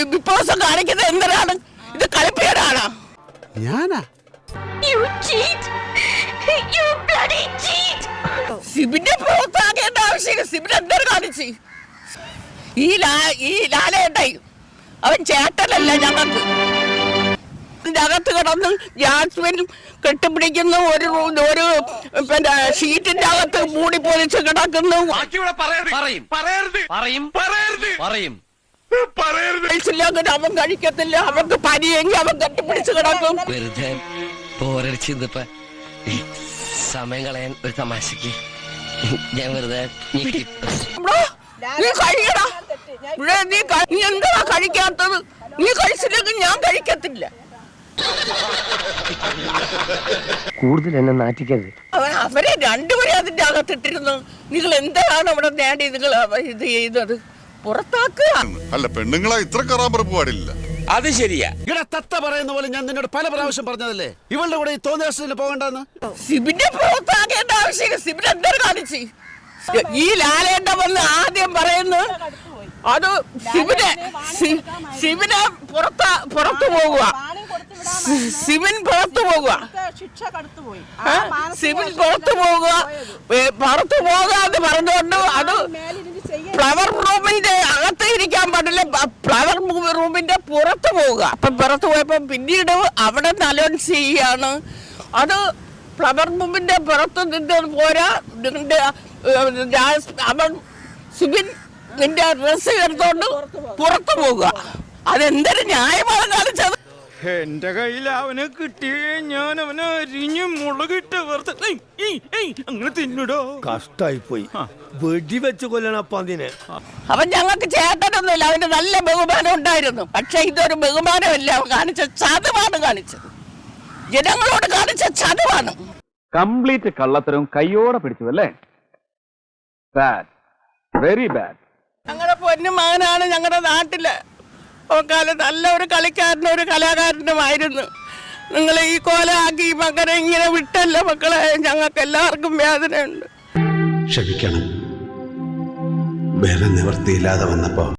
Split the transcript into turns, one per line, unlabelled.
വിപ്ലവം കാണിക്കുന്നത് എന്തിനാണ്? ഇത് കളിപ്പേരാണോ?
ഞാനാ
സിബിനെ പുറത്താക്കേണ്ട ആവശ്യം സിബിൻ എന്തൊരു കാണിച്ച്? ഈ ലാലേട്ടായി അവൻ ചേട്ടനല്ല ഞങ്ങൾക്ക്. അകത്ത് കിടന്ന് ജാസ്മിൻ കെട്ടിപ്പിടിക്കുന്നു, ഒരു പിന്നെ ഷീറ്റിന്റെ അകത്ത് മൂടി പൊലിച്ച് കിടക്കുന്നു. അവൻ കഴിക്കത്തില്ല, അവർക്ക് പനിയെങ്കിൽ അവൻ കെട്ടിപ്പിടിച്ച് കിടക്കും.
വെറുതെ സമയം കളയാൻ ഒരു തമാശക്ക് ഞാൻ വെറുതെ
നീ കഴിയടാ, നീ എന്താ കഴിക്കാത്തത്? നീ കഴിച്ചില്ലെങ്കിൽ ഞാൻ കഴിക്കത്തില്ല.
കൂടുതൽ എന്നെ നാറ്റിക്കരുത്.
അവരെ രണ്ടുപേരെ അതിന്റെ അകത്തിട്ടിരുന്നു. നിങ്ങൾ എന്താണ് അവിടെ നേടി നിങ്ങൾ ഇത് ചെയ്തത്? പുറത്താക്കുക.
അല്ല, പെണ്ണുങ്ങളെ ഇത്ര കറാമ്പറപ്പ് പാടില്ല.
അത് ശരിയാ. ഇവിടെ തത്ത പറയുന്ന പോലെ ഞാൻ നിന്നോട് പല പ്രാവശ്യം പറഞ്ഞതല്ലേ ഇവളുടെ കൂടെ ഈ തോന്നിയ പോകണ്ടെന്ന്.
സിബിനെ പുറത്താക്കേണ്ട ആവശ്യം സിബിൻ എന്തൊരു കാണിച്ച്? ഈ ലാലേട്ട വന്ന് ആദ്യം പറയുന്നു അത് സിബിനെ പുറത്തു പോകുക, സിബിൻ പുറത്തു പോകുക, സിബിൻ പുറത്തു പോകുക എന്ന് പറഞ്ഞുകൊണ്ട് അത് ഫ്ലവർ റൂമിന്റെ അകത്ത് ഇരിക്കാൻ പാടില്ല, ഫ്ലവർ റൂമിന്റെ പുറത്ത് പോവുക. അപ്പൊ പുറത്ത് പോയപ്പോ പിന്നീട് അവിടെ അനൗൺസ് ചെയ്യാണ് അത് ഫ്ലവർ റൂമിന്റെ പുറത്ത് നിന്ന് പോരാ, നിന്റെ അവൻ സിബിൻ നിന്റെ ഡ്രസ് എടുത്തോണ്ട് പുറത്തു പോവുക. അതെന്തൊരു ന്യായമാണ് കാണിച്ചത്?
എന്റെ കയ്യിൽ അവനെ കിട്ടിയേ ഞാൻ അവനെ അരിഞ്ഞ് മുളകിട്ട് അങ്ങനെ തിന്നിടോ.
കഷ്ടായി പോയി, വെടിവെച്ച് കൊല്ലണപ്പം അതിനെ.
അവൻ ഞങ്ങൾക്ക് ചേട്ടനൊന്നുമില്ല, അവന് നല്ല ബഹുമാനം ഉണ്ടായിരുന്നു. പക്ഷെ ഇതൊരു ബഹുമാനമല്ല, അവൻ കാണിച്ച ചതവാണ് കാണിച്ചത്, ജനങ്ങളോട് കാണിച്ച ചതവാണ്.
കംപ്ലീറ്റ് കള്ളത്തരവും കയ്യോടെ പിടിച്ചു അല്ലേ? Bad, very bad.
ഞങ്ങളുടെ പൊന്നു മകനാണ് ഞങ്ങളുടെ നാട്ടില്. കാലം നല്ല ഒരു കളിക്കാരനും ഒരു കലാകാരനുമായിരുന്നു. നിങ്ങൾ ഈ കോലമാക്കി ഈ മകനെ ഇങ്ങനെ വിട്ടല്ല മക്കളെ. ഞങ്ങൾക്ക് എല്ലാവർക്കും വേദനയുണ്ട്.
ക്ഷമിക്കണം, വേറെ നിവൃത്തിയില്ലാതെ വന്നപ്പോ